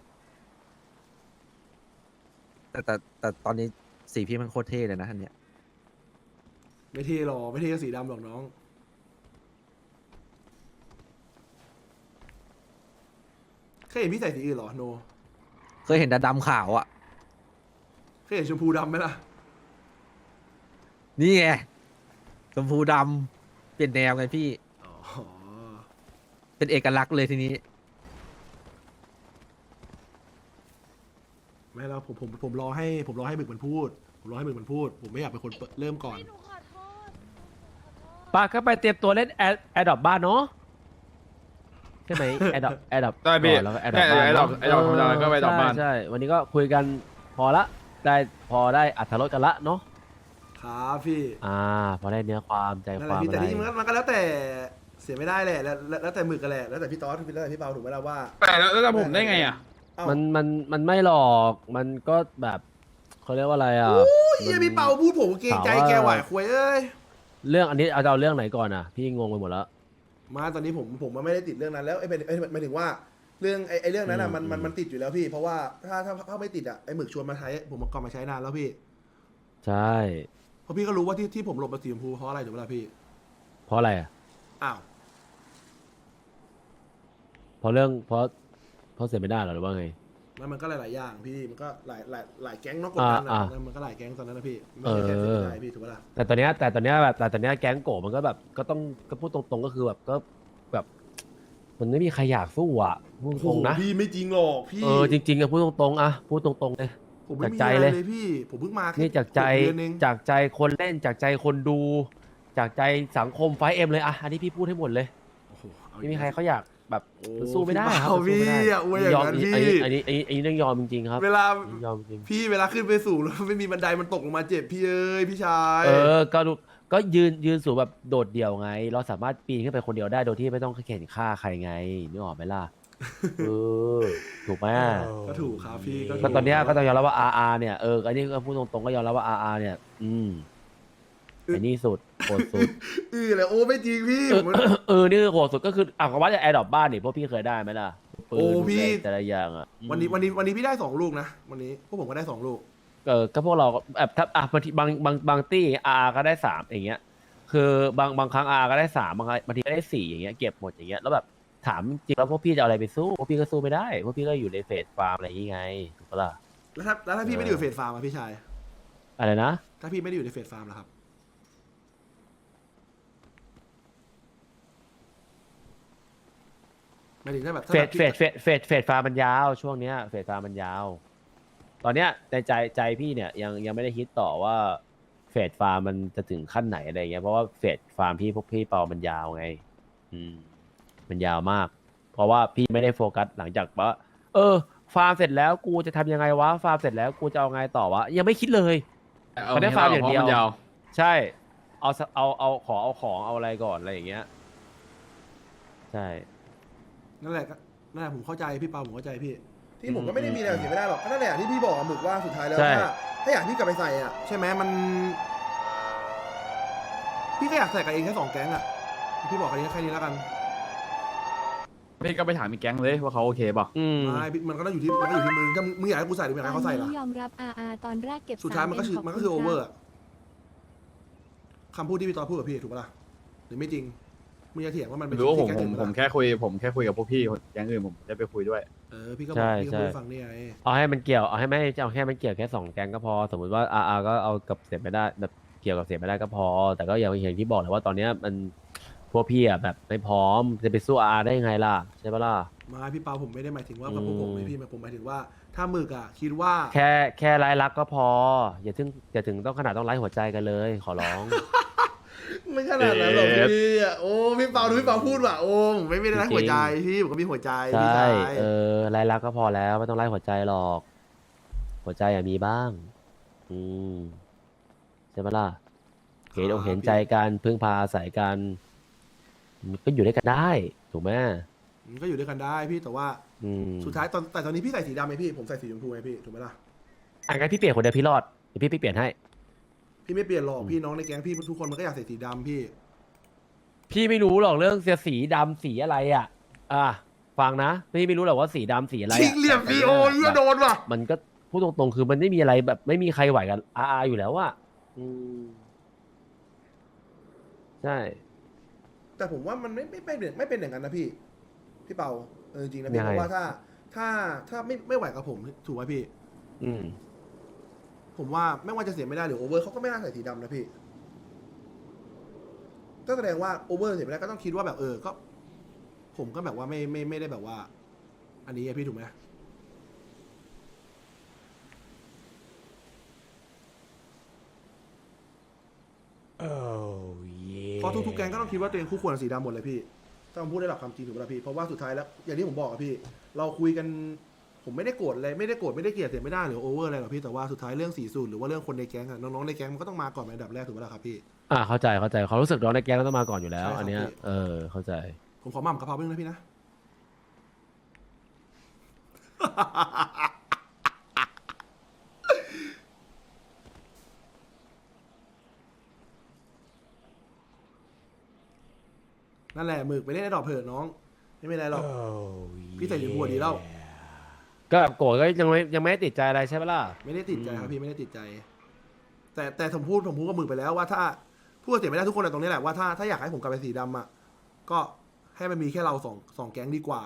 [SPEAKER 6] แต่แต่แต่ตอนนี้สีพี่มันโคตรเท่เลยนะอันเนี้ย
[SPEAKER 1] ไม่เท่หรอกไม่เท่ก็สีดำหรอกน้องเคยเห็นพี่ใส่สีอื่นเหรอโน
[SPEAKER 6] เคยเห็นแต่ดำขาวอ่ะ
[SPEAKER 1] เคยเห็นชมพูดำไหมล่ะ
[SPEAKER 6] นี่ไงชมพูดำเปลี่ยนแนวไงพี่
[SPEAKER 1] อ๋อ
[SPEAKER 6] เป็นเอกลักษณ์เลยทีนี้
[SPEAKER 1] ไม่แล้วผมผมผมรอให้ผมรอให้หมึกมันพูด ผมรอให้หมึกมันพูด ผมไม่อยากเป็นคนเปิดเริ่มก่อน
[SPEAKER 3] ปาก็ไปเตรียมตัวเล่นแอดแอดดอปบ้านเนาะใช่ไหมแอดดอปแอดดอป
[SPEAKER 2] ได้พี่
[SPEAKER 3] แล้วก็แอดด
[SPEAKER 2] ใช่
[SPEAKER 3] อปบ้าน
[SPEAKER 2] ไอ้ดอกไอ้ดอกธรรมดาก็ไปดอกบ้าน
[SPEAKER 3] ใช่วันนี้ก็คุยกันพอละได้พอได้อัธรสกันละเนาะ
[SPEAKER 1] ครับพี่
[SPEAKER 3] อ่า พอได้เนื้อความใจ
[SPEAKER 1] นั่น
[SPEAKER 3] ค
[SPEAKER 1] แหละ
[SPEAKER 3] วาม
[SPEAKER 1] พี่
[SPEAKER 3] อะ
[SPEAKER 1] แต่
[SPEAKER 3] ไร
[SPEAKER 1] ที่จริงมันก็มันก็แล้วแต่เสียไม่ได้แหละแล้วแล้วแล้วแต่หมึกกันแหละแล้วแต่พี่ต๊อดแล้วแต่พี่เปาถูกไหมล่ะว่า
[SPEAKER 2] แต่แล้วแล้วผมได้ไงอ่ะ
[SPEAKER 1] เอ้า
[SPEAKER 3] มันมันมันไม่หรอกมันก็แบบเขาเรียกว่าอะไรอ่ะ
[SPEAKER 1] เฮียพี่เปาพูดผมเกรงใจ
[SPEAKER 3] ถามว่า
[SPEAKER 1] แกไหวควยเอ้ย
[SPEAKER 3] เรื่องอันนี้เอาจะเอาเรื่องไหนก่อนอ่ะพี่งงไปหมดแล้ว
[SPEAKER 1] มาตอนนี้ผมผมมันไม่ได้ติดเรื่องนั้นแล้วไอ้เป็นไอ้หมายถึงว่าเรื่องไอ้ไอ้เรื่องนั้นอ่ะมันมันมันติดอยู่แล้วพี่ เพราะว่าถ้าถ้าถ้าไม่ติดอ่ะไอ้หมึกชวนมาใช้ผมก็มาใช้นานแล้วพี่
[SPEAKER 3] ใช่
[SPEAKER 1] เพราะพี่ก็รู้ว่าที่ที่ผมหลบมาสีชมพูเพราะอะไรถูกไหมล่ะพี่
[SPEAKER 3] เพราะอะไรอ่ะ
[SPEAKER 1] อ้าว
[SPEAKER 3] เพราะเรื่องเพราะเพราะเสียไม่ได้เหรอหรือว่าไง
[SPEAKER 1] มันมันก็หลายๆอย่างพี่มันก็หลายหลายหลายแก๊งเนอกกดดัน
[SPEAKER 3] อ่า
[SPEAKER 1] อ่ะ
[SPEAKER 3] อ่า
[SPEAKER 1] มันก็หลายแก๊งตอนนั้นนะพี่ไม่ใช่แค่
[SPEAKER 3] เอ
[SPEAKER 1] เสีย
[SPEAKER 3] อ
[SPEAKER 1] ไม่ได้พี่ถูกไหมล่ะ
[SPEAKER 3] แต่ตอนเนี้ยแต่ตอนเนี้ยแบบแต่ตอนเนี้ยแก๊งโกะมันก็แบบก็ต้องก็พูดตรงๆก็คือแบบก็แบบ มันไม่มีใครอยากสู้อ่ะพูด
[SPEAKER 1] โอ้โห
[SPEAKER 3] ตรงๆนะ
[SPEAKER 1] พี่ไม่จริงหรอกพี่
[SPEAKER 3] เออจริงๆอะพูดตรงๆอะพูดตรงๆเลย
[SPEAKER 1] ผมไม่มี
[SPEAKER 3] จากใจ
[SPEAKER 1] อะไร
[SPEAKER 3] เลย
[SPEAKER 1] เลยพี่ ผมเพิ่งมาแค่
[SPEAKER 3] นี่จากใจ
[SPEAKER 1] หกเดือนเอง
[SPEAKER 3] จากใจคนเล่นจากใจคนดู จากใจสังคมไฟเอ็มเลยอะอันนี้พี่พูดให้หมดเลย
[SPEAKER 1] โอ้โหเอา
[SPEAKER 3] ไม่มีใครเขาอยากแบบ
[SPEAKER 1] โอ้
[SPEAKER 3] มันสู้ไม่ได้ครับ
[SPEAKER 1] เอา
[SPEAKER 3] มันสู้ไม่ได้
[SPEAKER 1] พี่อะอวยอย่าง
[SPEAKER 3] ยอม
[SPEAKER 1] นั้น
[SPEAKER 3] อัน
[SPEAKER 1] พี่
[SPEAKER 3] นี้อันนี้อันนี้อันนี้ต้องยอมจริงๆครับ
[SPEAKER 1] เวลา
[SPEAKER 3] ยอมจริง
[SPEAKER 1] พี่เวลาขึ้นไปสูงแล้วไม่มีบันไดมันตกลงมาเจ็บพี่เอ้ยพี่ชาย
[SPEAKER 3] เออก็ดูก็ยืนยืนสูงแบบโดดเดี่ยวไง เราสามารถปีนขึ้นไปคนเดียวได้โดยที่ไม่ต้องเข็นฆ่าใครไงนึกออกไหมล่ะเออถูกไหม
[SPEAKER 1] ก็ถูกครับพี่ก็ถู
[SPEAKER 3] ก็ตอนเนี้ยก็ต้องยอมรับว่า อาร์ อาร์ เนี่ยเอออันนี้ก็พูดตรงๆก็ยอมรับว่า อาร์ อาร์ เนี่ย อืมไอ้นี่สุดโหดสุด
[SPEAKER 1] เออเลยโอ้ไม่จริงพี่
[SPEAKER 3] เอ
[SPEAKER 1] ผ
[SPEAKER 3] อ
[SPEAKER 1] ม
[SPEAKER 3] เออนี่คือโหดสุดก็คืออ่ะก็ว่าจะแอร์ดรอปบ้านนี่พวกพี่เคยได้ไหมล่ะปืน
[SPEAKER 1] โอ้พี่
[SPEAKER 3] แต่ละอย่างอ่ะ
[SPEAKER 1] วันนี้วันนี้วันนี้พี่ได้สองลูกนะวันนี้พวกผมก็ได้สองลูก
[SPEAKER 3] เออก็พวกเราก็แบบถ้าอ่ะบางทีบางบางบางตี้อาร์ก็ได้สามอย่างเงี้ย คือบางบางครั้งอาร์ก็ได้สามบางบางทีก็ได้สี่อย่างเงี้ยเก็บหมดอย่างเงี้ยแล้วแบบถามจริงแล้วพวกพี่จะเอาอะไรไปสู้พวกพี่ก็สู้ไม่ได้พวกพี่ก็อยู่ในเฟสฟาร์มอะไรอย่างงี้ไงถูกปะล่ะ
[SPEAKER 1] แล้วถ้าแล้วถ้าพี่ไม่ได้อยู่เฟสฟาร์มอะพี่ชาย
[SPEAKER 3] อะไรนะ
[SPEAKER 1] ถ้าพี่ไม่ได้อยู่ในเฟสฟาร์มล่ะครับหมายถึงถ้าแบบถ้า
[SPEAKER 3] เฟ
[SPEAKER 1] แบ
[SPEAKER 3] ส
[SPEAKER 1] บ
[SPEAKER 3] เฟสเฟสเฟสเฟสฟาร์มมันยาวช่วงเนี้ยเฟสฟาร์มมันยาว ตอนเนี้ยในใจใจพี่เนี่ยยังยังไม่ได้คิดต่อว่าเฟสฟาร์มมันจะถึงขั้นไหนอะไรเงี้ยเพราะว่าเฟสฟาร์มพี่พวกพี่เปามันยาวไง อืม มันยาวมาก เพราะว่าพี่ไม่ได้โฟกัสหลังจากว่าเออ ฟาร์มเสร็จแล้วกูจะทำยังไงวะฟาร์มเสร็จแล้วกูจะเอาไงต่อวะยังไม่คิดเลย
[SPEAKER 2] เอา
[SPEAKER 3] เขาได้ฟาร์มอย่างเดียว
[SPEAKER 2] พระนยาว
[SPEAKER 3] ใช่ เอาสเอาเอาขอเอาของเอาอะไรก่อนอะไรอย่างเงี้ย ใช่
[SPEAKER 1] นั่นแหละก็นั่นแหละผมเข้าใจพี่เปาผมเข้าใจพี่ ที่ผม
[SPEAKER 3] อืม
[SPEAKER 1] ก็ไม่ได้มีแนวเสียไม่ได้หรอกก็นั่นแหละที่พี่บอกอะหมึกว่าสุดท้ายแล้ว
[SPEAKER 3] ใช่
[SPEAKER 1] ถ้าถ้าอยากพี่กลับไปใส่อ่ะใช่ไหมมัน พี่ก็อยากใส่กับเองแค่สองแก๊งอ่ะพี่บอกแค่นี้แค่นี้แล้วกัน
[SPEAKER 2] พี่ก็ไปถามอีกแก๊งเลยว่าเขาโอเคป่ะ
[SPEAKER 3] อืม
[SPEAKER 1] ไม่พี่มันก็ต้องอยู่ที่มันก็อยู่ที่มึงถ้ามึงมึงอยากให้กูใส่หรือมึงอยากให้เขาใส่ล่ะ
[SPEAKER 4] ตอนนี้ยอมรับอาอาตอนแรกเก็บ
[SPEAKER 1] สุดท้ายมันก็คือ
[SPEAKER 4] สาม
[SPEAKER 1] มันก็คือ
[SPEAKER 4] ข
[SPEAKER 1] โอบ
[SPEAKER 4] ณ
[SPEAKER 1] เวอร์
[SPEAKER 4] ครับ
[SPEAKER 1] คำพูดที่พี่ตอนพูดกับพี่ถูกปะล่ะหรือไม่จริงมึงจะเถียงว่ามันเป็น
[SPEAKER 2] รู้ว่าผม
[SPEAKER 1] ที่
[SPEAKER 2] ผ
[SPEAKER 1] แก๊ง
[SPEAKER 2] ม
[SPEAKER 1] อื่น
[SPEAKER 2] ผม
[SPEAKER 1] ปะล่ะ
[SPEAKER 2] แค่คุยผมแค่คุยกับพวกพี่แก๊งอื่นผมจะไปคุยด้วย
[SPEAKER 1] เออพี่ก็บ
[SPEAKER 3] ใช่
[SPEAKER 1] อกพี่ก็พูด
[SPEAKER 3] ใช่
[SPEAKER 1] ให้ฟังนี่ไง
[SPEAKER 3] เอาให้มันเกี่ยวเอาให้ไม่เอาแค่มันเกี่ยวแค่สองแกงก็พอ สมมติว่าอาอาก็เอากับเสียไม่ได้แบบเกี่ยวกับเสียไม่ได้ก็พอ แต่ก็อย่างอย่างที่บอกเลยว่าตอนเนี้ยมันพวกพี่อ่ะแบบไม่พร้อมจะไปสู้อาได้ยังไงล่ะใช่ปะล่ะ
[SPEAKER 1] มาพี่เปาผมไม่ได้หมายถึงว่า
[SPEAKER 3] อืม
[SPEAKER 1] กับพวกผมไม่พี่ผมหมายถึงว่า ถ้าหมึกอ่ะคิดว่า
[SPEAKER 3] แค่แค่ไร้รักก็พอ อย่าถึงอย่าถึงต้องขนาดต้องไร้หัวใจกันเลย ขอร้อง
[SPEAKER 1] ไม่ขนาดนั้นหรอก
[SPEAKER 2] เอ๊ะ
[SPEAKER 1] พี่อ่ะโอ้พี่เปาดูพี่เปาพูดว่ะโอ้ผมไม่ไม่ได้รักหัวใจพี่ผมก็มีหัวใจ
[SPEAKER 3] ใช
[SPEAKER 1] พี่
[SPEAKER 3] ่
[SPEAKER 1] ชาย
[SPEAKER 3] เออไร้รักก็พอแล้วไม่ต้องไร้หัวใจหรอก หัวใจอย่ามีบ้าง อืมใช่ปะล่ะเห็นอกเห็นใจกันพึ่งพาอาศัยกันมันก็อยู่ด้วยกันได้ ถูกไหม
[SPEAKER 1] มันก็อยู่ด้วยกันได้พี่แต่ว่า
[SPEAKER 3] อืม
[SPEAKER 1] สุดท้ายตอนแต่ตอนนี้พี่ใส่สีดำไหมพี่ผมใส่สีชมพูไงพี่ถูกไหมล่ะ
[SPEAKER 3] อ่ะงั้นพี่เปลี่ยนคนเดียวพี่รอดเดี๋ยวพี่ไปเปลี่ยนให้
[SPEAKER 1] พี่ไม่เปลี่ยนหรอกพี่น้องในแก๊งพี่ทุกคนมันก็อยากใส่สีดำพี่
[SPEAKER 3] พี่ไม่รู้หรอกเรื่องเสียสีดำสีอะไรอ่ะ อ่ะฟังนะพี่ไม่รู้หรอกว่าสีดำสีอะไรอะ
[SPEAKER 1] ชิงเหลี่ยมพี่โอ้ยโดนว่ะ
[SPEAKER 3] มันก็พูดตรงๆคือมันไม่มีอะไรแบบไม่มีใครไหวกันอาอยู่แล้วอ่ะอืมใช่
[SPEAKER 1] แต่ผมว่ามันไม่ไม่ไม่เป็นไม่เป็นอย่างนั้นนะพี่ พี่เปาเออจริงนะพี่
[SPEAKER 3] ยังไง
[SPEAKER 1] เพราะว่าถ้าถ้าถ้าไม่ไม่ไหวกับผมถูกไหมพี่
[SPEAKER 3] อืม
[SPEAKER 1] ผมว่าไม่ว่าจะเสียไม่ได้หรือโอเวอร์เขาก็ไม่น่าใส่สีดำนะพี่ ก็แสดงว่าโอเวอร์เสียไม่ได้ก็ต้องคิดว่าแบบเออก็ ผมก็แบบว่าไม่ไม่ไม่ได้แบบว่า อันนี้อะพี่ถูกไหมเพราะทุกๆแกงก็ต้องคิดว่าตัวเองคู่ควรกับสีดำหมดเลยพี่ต้องพูดได้หลักความจริงถูกไหมล่ะพี่เพราะว่าสุดท้ายแล้วอย่างที่ผมบอกอะพี่ เราคุยกัน ผมไม่ได้โกรธอะไรไม่ได้โกรธไม่ได้เกลียดเสียไม่ได้หรือโอเวอร์อะไรหรอกพี่แต่ว่าสุดท้ายเรื่องสีสูตรหรือว่าเรื่องคนในแก๊งอะน้องๆในแก๊งมันก็ต้องมาก่อนเป็นอันดับแรกถูกไหมล่ะครับพี่
[SPEAKER 3] อ่าเข้าใจเข้าใจเขามรู้สึกน้องในแก๊งต้องมาก่อนอยู่แล้ว
[SPEAKER 1] ใช่ครับ
[SPEAKER 3] อันเนี้ย
[SPEAKER 1] พี่
[SPEAKER 3] เออเข้าใจ
[SPEAKER 1] ผมขอหม่ำกะเพราเพิ่งนะพี่นะ นั่นแหละหมึกไปเล่นไอ้ดอกเผิดน้อง ไม่เป็นไรหรอก พี่ใส่ถุงหัวดีแล้ว
[SPEAKER 3] ก็โกรธก็ยังไม่ยังไม่ได้ติดใจอะไรใช่ปะล่ะ
[SPEAKER 1] ไม่ได้ติดใจครับ
[SPEAKER 3] อืม
[SPEAKER 1] พี่ไม่ได้ติดใจ แต่แต่ผมพูดผมพูดกับหมึกไปแล้วว่าถ้าพูดเสียไม่ได้ทุกคนอะตรงนี้แหละว่าถ้าถ้าอยากให้ผมกลับไปสีดำอ่ะก็ให้มันมีแค่เราสองสองแก๊งดีกว่า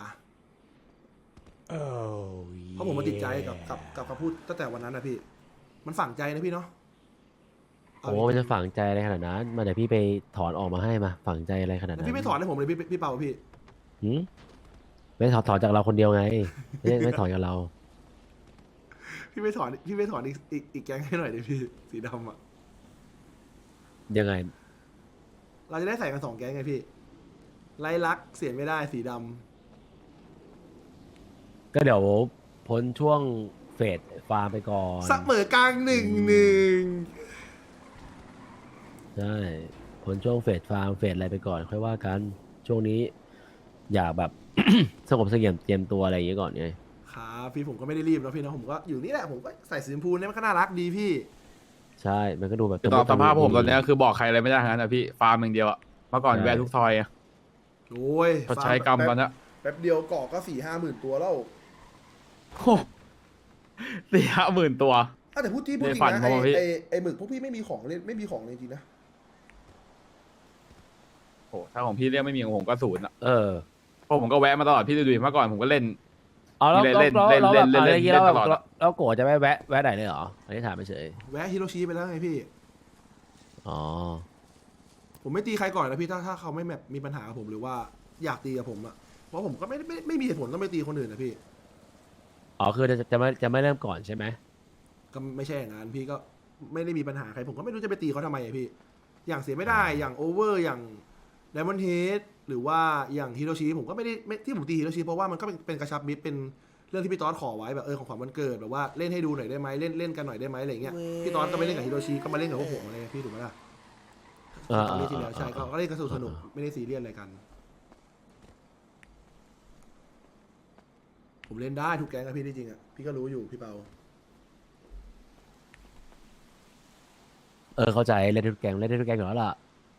[SPEAKER 1] เพราะผมมาติดใจกับกับกับคำพูดตั้งแต่วันนั้นนะพี่ มันฝังใจนะพี่เนาะเอา
[SPEAKER 3] โอ้มันจะฝังใจอะไรขนาดนั้น มาเดี๋ยวพี่ไปถอนออกมาให้มา ฝังใจอะไรขนาด
[SPEAKER 1] แล้ว
[SPEAKER 3] นั้น
[SPEAKER 1] พี่ไม่ถอนให้ผมเลยพี่พี่เปาพี่
[SPEAKER 3] หืมไม่ถอนถอนจากเราคนเดียวไง ไม่ได้ไม่ถอนจากเรา
[SPEAKER 1] พี่ไม่ถอนพี่ไม่ถอนอีกอีกอีกแก๊งให้หน่อยดิพี่สีดำอ่ะ
[SPEAKER 3] ยังไง
[SPEAKER 1] เราจะได้ใส่กันสองแก๊งไงพี่ไล่ลักเสียไม่ได้สีดำ
[SPEAKER 3] ก็เดี๋ยวพ้นช่วงเฟสฟาร์มไปก่อน
[SPEAKER 1] เสมอกลางหนึ่งหนึ่ง
[SPEAKER 3] ใช่พ้นช่วงเฟสฟาร์มเฟสอะไรไปก่อน ค่อยว่ากัน ช่วงนี้ อยากแบบ สงบเสงี่ยมเตรียมตัวอะไรอย่างเงี้ยก่อนไง
[SPEAKER 1] ครับพี่ผมก็ไม่ได้รีบนะพี่นะผมก็อยู่นี่แหละผมก็ใส่สีชมพูเนี่ยมันก็น่ารักดีพี่
[SPEAKER 3] ใช่ มันก็ดูแบบ
[SPEAKER 2] คือตอนสภาพผมตอนเนี้ยคือบอกใครอะไรไม่ได้ทั้งนั้นนะพี่ฟาร์มอย่างเดียวอะเมื่อก่อนแวะทุกซอยอะ
[SPEAKER 1] โอ้ย
[SPEAKER 2] ชดใช้กรรมตอนเนี้ย
[SPEAKER 1] แป๊บเดียวเกาะก็สี่ห้าหมื่นตัวแล้ว
[SPEAKER 2] โอ้สี่ห้าหมื่นตัว
[SPEAKER 1] อ่ะแต่พูดที่พูดจริ
[SPEAKER 2] ในฝั
[SPEAKER 1] ง
[SPEAKER 2] น
[SPEAKER 1] นะ
[SPEAKER 2] ผม
[SPEAKER 1] ไอ
[SPEAKER 2] อะพี่
[SPEAKER 1] ไอไอหมึกพวกพี่ไม่มีของเล่นไม่มีของเลยจริงๆนะ
[SPEAKER 2] โอ้ถ้าของพี่เรียกไม่มีของผมก็ศูนย์อะ
[SPEAKER 3] เออ
[SPEAKER 2] เพราะผมก็แวะมาตลอดพี่ดูดิเมื่อก่อนผมก็เล่น
[SPEAKER 3] เอาแล้ว
[SPEAKER 2] เล่น
[SPEAKER 3] แล้ว
[SPEAKER 2] เล่น
[SPEAKER 3] แล้ว
[SPEAKER 2] เล่น
[SPEAKER 3] แล้วแบบ
[SPEAKER 2] เล่น
[SPEAKER 3] อะไรอย่างงี้
[SPEAKER 2] เล่
[SPEAKER 3] แล้ว
[SPEAKER 2] น
[SPEAKER 3] แบบ
[SPEAKER 2] ตลอดอะ
[SPEAKER 3] แล้วโกรธจะไม่แวะแวะไหนเลยเหรอ อันนี้ถามไปเฉย
[SPEAKER 1] แวะฮิโรชิไปแล้วไงพี่
[SPEAKER 3] อ๋อ
[SPEAKER 1] ผมไม่ตีใครก่อนนะพี่ถ้าถ้าเขาไม่แบบมีปัญหากับผมหรือว่าอยากตีกับผมอะเพราะผมก็ไม่ได้ไม่ไม่มีเหตุผลต้องไปตีคนอื่นนะพี่
[SPEAKER 3] อ๋อ คือจะจะไม่จะไม่เริ่มก่อนใช่ไหม
[SPEAKER 1] ก็ไม่ใช่อย่างนั้นพี่ก็ไม่ได้มีปัญหาใครผมก็ไม่รู้จะไปตีเขาทำไมอะพี่ อย่างเสียไม่ได้อย่างโอเวอร์อย่างไดมอนด์เฮดหรือว่าอย่างฮิโรชิผมก็ไม่ได้ไม่ที่ผมตีฮิโรชิเพราะว่ามันก็เป็นเป็นกระชับมิตรเป็นเรื่องที่พี่ต๊อดขอไว้แบบเออของขวัญวันเกิดแบบว่าเล่นให้ดูหน่อยได้ไหมเล่นเล่นกันหน่อยได้ไหมอะไรเงี้ยพี่ต๊อดก็ไม่เล่นกับฮิโรชิก็มาเล่นกับพวกผมอะไรเงี้ยพี่ถูกไหมล่ะ
[SPEAKER 3] อ่า
[SPEAKER 1] ตอนนี้ทีแล้ว
[SPEAKER 3] อ่า
[SPEAKER 1] ใช่ก็
[SPEAKER 3] อ่า
[SPEAKER 1] ก็เล่นกันสนุกสนุกไม่ได้ซีเรียสอะไรกัน ผมเล่นได้ทุกแก๊งอะพี่ที่จริงอะพี่ก็รู้อยู่พี่เปา
[SPEAKER 3] เออ เข้าใจ เล่นได้ทุกแกงเล่นได้ทุกแกงอยู่แล้วล่ะ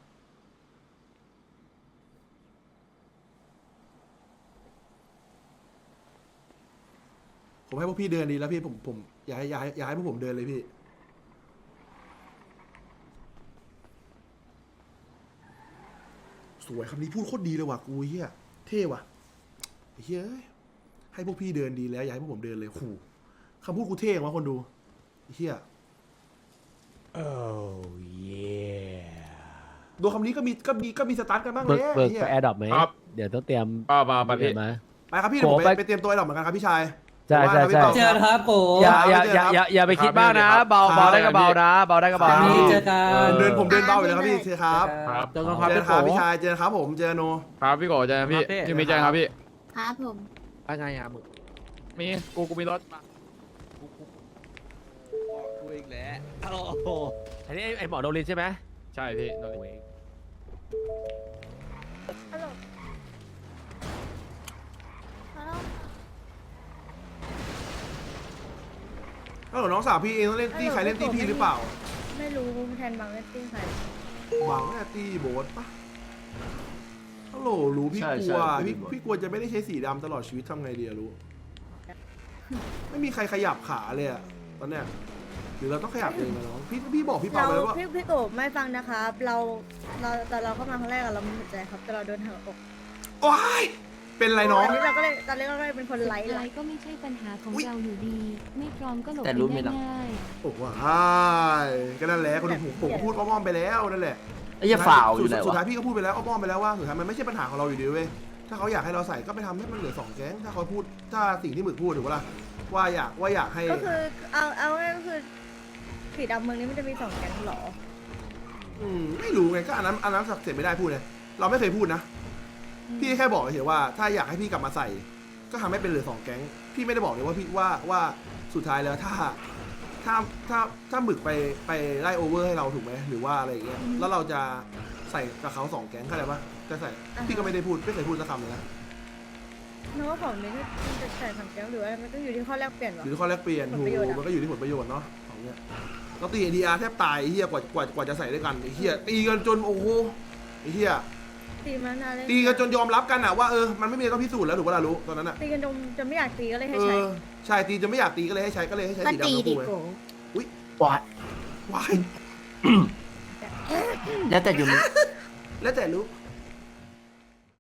[SPEAKER 1] ผมให้พวกพี่เดินดีแล้วพี่ผมผมอยากให้อยากให้อยากให้พวกผมเดินเลยพี่ สวยคำนี้พูดโคตรดีเลยว่ะกูเฮียเท่ว่ะไอ้เฮียเอ้ยให้พวกพี่เดินดีแล้วอยากให้พวกผมเดินเลยขู่คำพูดกูเท่ว่ะคนดูไอ้เฮียดูคำนี้ก็มีก็มีก็มีสตาร์ทกันบ้าง
[SPEAKER 3] เบิ
[SPEAKER 1] เล
[SPEAKER 3] ก
[SPEAKER 1] ย
[SPEAKER 3] เบิก
[SPEAKER 1] ไอ้เฮีย
[SPEAKER 3] ไปแอร์ดรอปไหม
[SPEAKER 2] ครับ
[SPEAKER 3] เดี๋ยวต้องเตรียม
[SPEAKER 2] ป้าป้าไป
[SPEAKER 3] เตรี
[SPEAKER 2] พี่
[SPEAKER 3] ยมมา
[SPEAKER 1] ไปครับพี่เดี๋ยวผม
[SPEAKER 3] โก
[SPEAKER 1] ไป
[SPEAKER 3] ไป
[SPEAKER 1] ไปเตรียมตัวไอ้ดอกเหมือนกันครับพี่ชาย
[SPEAKER 3] ใช่ใช่
[SPEAKER 1] เดี๋ยวว่า
[SPEAKER 3] ใช่
[SPEAKER 1] นะพี่
[SPEAKER 5] เจ
[SPEAKER 1] เปา
[SPEAKER 5] อกันครับโก
[SPEAKER 3] อย่าอย่า
[SPEAKER 1] เจอ
[SPEAKER 3] อย่า
[SPEAKER 1] ครับ
[SPEAKER 3] อย่าอย่าไปคิดมากนะ
[SPEAKER 2] ครับ
[SPEAKER 3] เบา
[SPEAKER 1] ครับ
[SPEAKER 3] เบาได้ก็เบานะ เบาได้ก็เบา
[SPEAKER 1] ครับ
[SPEAKER 5] นี่เจอกั
[SPEAKER 1] เอน อเดินผมเดินเบาอยู่แล้วครับพี่เจอครับ
[SPEAKER 2] ครับ
[SPEAKER 3] เจอกันค
[SPEAKER 1] เจ
[SPEAKER 3] รับ
[SPEAKER 1] อครับพี่ชายเจอครับผมเจอโน
[SPEAKER 2] ครับพี่โกเจอกันพี่
[SPEAKER 3] ครับพี่
[SPEAKER 2] พี่มีใจครับพี่
[SPEAKER 4] ครับผม
[SPEAKER 6] อะไรอ่ะมึง
[SPEAKER 2] มีกูกูมีรถมา
[SPEAKER 6] กูอีกแล้ว
[SPEAKER 3] โอ้โหอันนี้ไอ้ไอหมอโดรินใช่ไหม
[SPEAKER 2] ใช่พี่โดน
[SPEAKER 3] โอ้ย
[SPEAKER 4] ฮัลโหลฮัลโหล
[SPEAKER 1] ฮัลโหลน้องสาวพี่เองต้องเล่นตีใครเล่นตีพี่หรือเปล่า
[SPEAKER 7] ไม่รู้แทนบางเล่นติ้งใคร
[SPEAKER 1] หวังแน่ตีโบสปะฮัลโหลรู้พี่
[SPEAKER 2] ใช่
[SPEAKER 1] ก
[SPEAKER 2] ใช่
[SPEAKER 1] ลัว
[SPEAKER 2] พี่
[SPEAKER 1] พี่
[SPEAKER 2] โบ๊ท
[SPEAKER 1] พี่กลัวจะไม่ได้ใช้สีดำตลอดชีวิตทำไงดีอะรู้ ไม่มีใครขยับขาเลยอะตอนเนี้ยหรือเราต้องขยับเองนะน้องพี่พี่บอกพี่เปา
[SPEAKER 7] เรา
[SPEAKER 1] ไปแล้วว่า
[SPEAKER 7] พี่พี่โกบไม่ฟังนะครับ เราเราแต่เราเข้ามาครั้งแรกอะเราไม่สนใจครับแต่เราโดนหักอก
[SPEAKER 1] ว้ายเป็นไรน้อง
[SPEAKER 7] อันนี้เราก็เลยตอนแรกเราก็เลยเป็นคนไลฟ์
[SPEAKER 8] ไล
[SPEAKER 7] เลย
[SPEAKER 8] ฟ์ก็ไม่ใช่ปัญหาของ
[SPEAKER 1] อุ๊ย
[SPEAKER 8] เราอยู่ดี ไม่พร้อมก็หลบ
[SPEAKER 9] แต่
[SPEAKER 8] ไป
[SPEAKER 9] รู้ไหม
[SPEAKER 8] ได้
[SPEAKER 9] ล่ะ
[SPEAKER 8] ง่าย
[SPEAKER 1] โอ้ว้ายก็นั่นแหละคนผมผมก็พูดอ้อมๆไปแล้วนั่นแหละ
[SPEAKER 9] ไอ้เหี้ยฝ่าวอยู่ไหน
[SPEAKER 1] สุด
[SPEAKER 9] วะ
[SPEAKER 1] ท้ายพี่ก็พูดไปแล้วอ้อมๆไปแล้วว่าสุดท้ายมันไม่ใช่ปัญหาของเราอยู่ดีเว้ยถ้าเขาอยากให้เราใส่ก็ไปทำให้มันเหลือสองแก๊งถ้าเขาพูดถ้าสิ่งที่หมึกพูดถูกปะล่ะว่าอยากว่าอยากให้
[SPEAKER 7] ก็คือเอาเอาง่ายๆก็คือสีดำเมืองนี้มันจะมีสองแก๊งเหรอ
[SPEAKER 1] อืมไม่รู้ไงก็อันนั้นอันนั้นเสร็จไม่ได้พูดเลยเราไม่เคยพูดนะพี่แค่บอกเฉยๆว่าถ้าอยากให้พี่กลับมาใส่ ก็ทำให้เป็นเหลือสองแก๊งพี่ไม่ได้บอกเลยว่าพี่ว่าว่าสุดท้ายแล้วถ้าถ้าถ้าถ้าหมึกไปไปไล่โอเวอร์ให้เราถูกไหมหรือว่าอะไรอย่างเงี้ยแล้วเราจะใส่กับเขาสองแก๊งเข้าใจปะจะใส่พี่ก็ไม่ได้พูดไม่เคยพูดสักคำเลยนะ
[SPEAKER 7] นึกว่าของนี้ที่จะใส่สองแก๊งหรือว่ามันก็อยู่ที่ข้อแรกเปลี่ยนวะ
[SPEAKER 1] หรือข้อแลกเปลี่ยน
[SPEAKER 7] ผล
[SPEAKER 1] ถูก
[SPEAKER 7] ประโยชน์อะ
[SPEAKER 1] มันก็อยู่ที่ผลประโยชน์เนาะของเนี้ยเราตีเอดีอาร์แทบตายไอ้เฮียกว่ากว่ากว่าจะใส่ด้วยกันไอ้เฮียตีกันจนโอ้โหไอ้เฮีย
[SPEAKER 7] ตีมานานเลย
[SPEAKER 1] ตีกันจนยอมรับกันอะว่าเออมันไม่มีอะไรต้องพิสูจน์แล้วถูกปะล่ะรู้ตอนนั้นอะ
[SPEAKER 7] ตีกันจนจนไม่อยากตีก็เลยให้
[SPEAKER 1] เอ
[SPEAKER 7] ใช้
[SPEAKER 1] อใช่ตีจนไม่อยากตีก็เลยให้ใช้ก็เลยให้ใช้
[SPEAKER 4] มัน
[SPEAKER 1] สีดำ
[SPEAKER 4] ตี
[SPEAKER 1] ทั้ง
[SPEAKER 4] ดิ
[SPEAKER 1] คู่เลย
[SPEAKER 4] โก
[SPEAKER 9] วาย
[SPEAKER 1] ว้าย
[SPEAKER 9] แล้วแต่อยู่มึง
[SPEAKER 1] แล้วแต่รู้